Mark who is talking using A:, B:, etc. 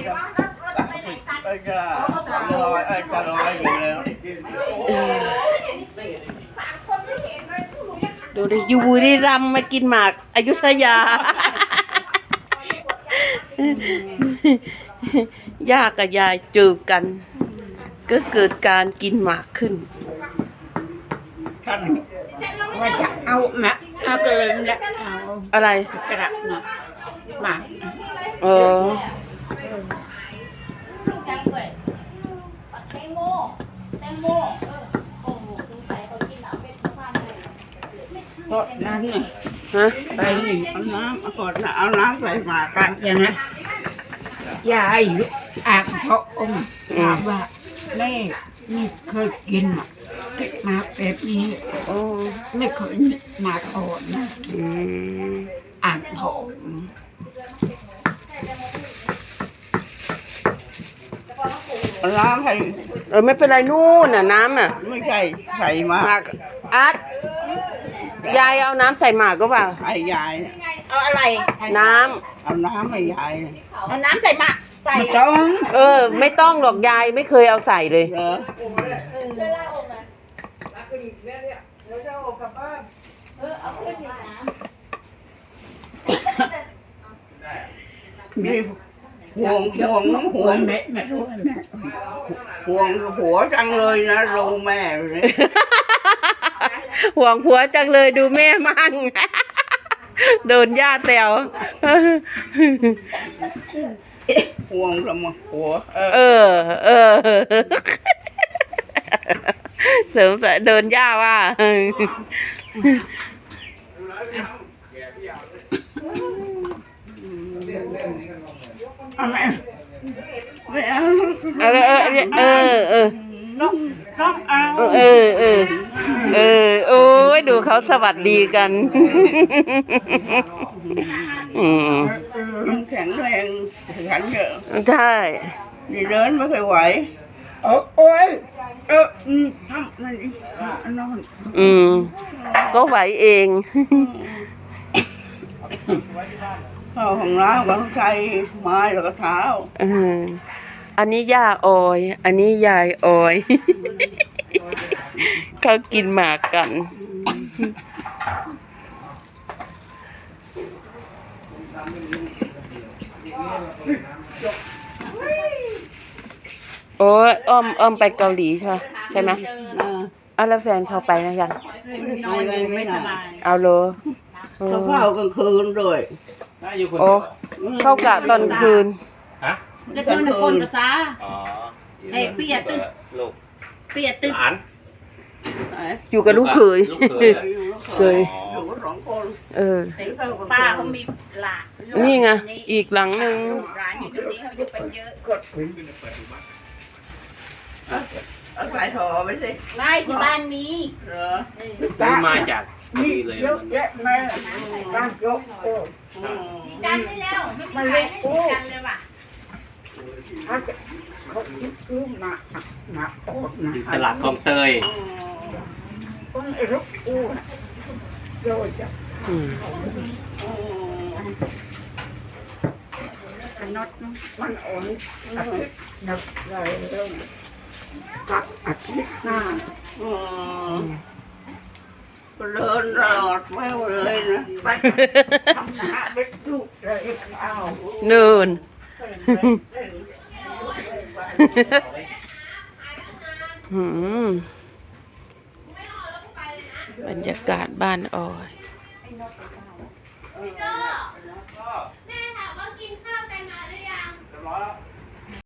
A: จะลอยอยู่แล้ว
B: ดูดิอยู่บุรีรัมย์มากินหมากอยุธยาย่ากับยายเจอกันก็เกิดการกินหมากขึ้น
C: ท่านว่าจะเอามาเอาเกินแล้วเอา
B: อะไร
C: กระดับมา
B: อ๋อ
C: เพราะนั้นไง
B: ฮะ
C: ไปนี่
A: เอาน้ำเอาก่อนนะเอาน้ำใส่หมาก
C: กันอย่างนั้นยายอ่างพระองค์ถามว่าแม่นี่เคยกินหมากแบบนี้
B: โอ้
C: ไม่เคยหมากอ่อนนะอ่างทอง
A: น้ำใส่
B: ไม่เป็นไรนู่นน่ะน้ำอ่ะ
A: ไม่ใช่ใส่หมาก
B: อาร์ตยายเอาน้ำใส่หมากก็เปล่า
A: ให้ยาย
D: เอาอะไร
B: น้
A: ำเอาน้ำให้ยาย
D: เอาน้ำใส่มาใส่
B: ไม่ต้องหรอกยายไม่เคยเอาใส่เลย
A: นี่ห่วง
C: แม่ไม่รู้แม่
A: ห่วงผัวจังเลยนะดูแม่เลย
B: ห่วงผัวจังเลยดูแม่มั่งโดนย่าแซว
A: ห่วงสมผัว
B: เสริมโดนย่าว่า
A: ไม่เอา
B: โอ้ยดูเขาสวัสดีกัน
A: แข็งแรงแข็งเยอะ
B: ใช่
A: ดีเดินไม่เคยไหว
C: โอ้ย
A: ทำมันนอน
B: ก็ไหวเอง
A: เข้าของร้านก็ต้องใช้ไม้แล้วก็เท้า
B: อันนี้ย่าออยอันนี้ยายออยเขากินหมากกันโอ้ยอ้อมไปเกาหลีใช่ไหมแล้วแฟนเขาไปนะยัง
A: ไม่สบาย
B: เอาโล
A: เขาเข้ากลางคืนด้วย
B: โอ้เข้ากะตอนคืน
D: ฮะจะเป็นคนภาษาไอ้เปียตึ๊ดเปียตึ๊ด
B: อยู่กับลูกเขยเคย
D: ป้าเขามีหลาน
B: นี่ไงอีกหลังหนึ่ง
D: ร้านอยู่ตรงนี้เขาอยู่เป็นเยอะ
A: เอาสายถอไปสิ
D: ไม่ที่บ้านมี
E: ซื้อมาจากนี่เลย
C: เยอะแยะแม่บ้านยก
D: สีจันได้แล้วไม่มีใครให้สีจันเลยว่ะ
C: เขาซื้อมาโอ๊ต
E: ตลาดคลองเตย
C: คนไอ้ลูกอู้โยจะขนดมันอ่อนนับเลยเรื่องกับอาทิตย์หน้า
A: เดินรอดแม่เลยนะ
C: ไปทำหน้าเล็กลูกเลยเอา
B: นูนบรรยากาศบ้านออย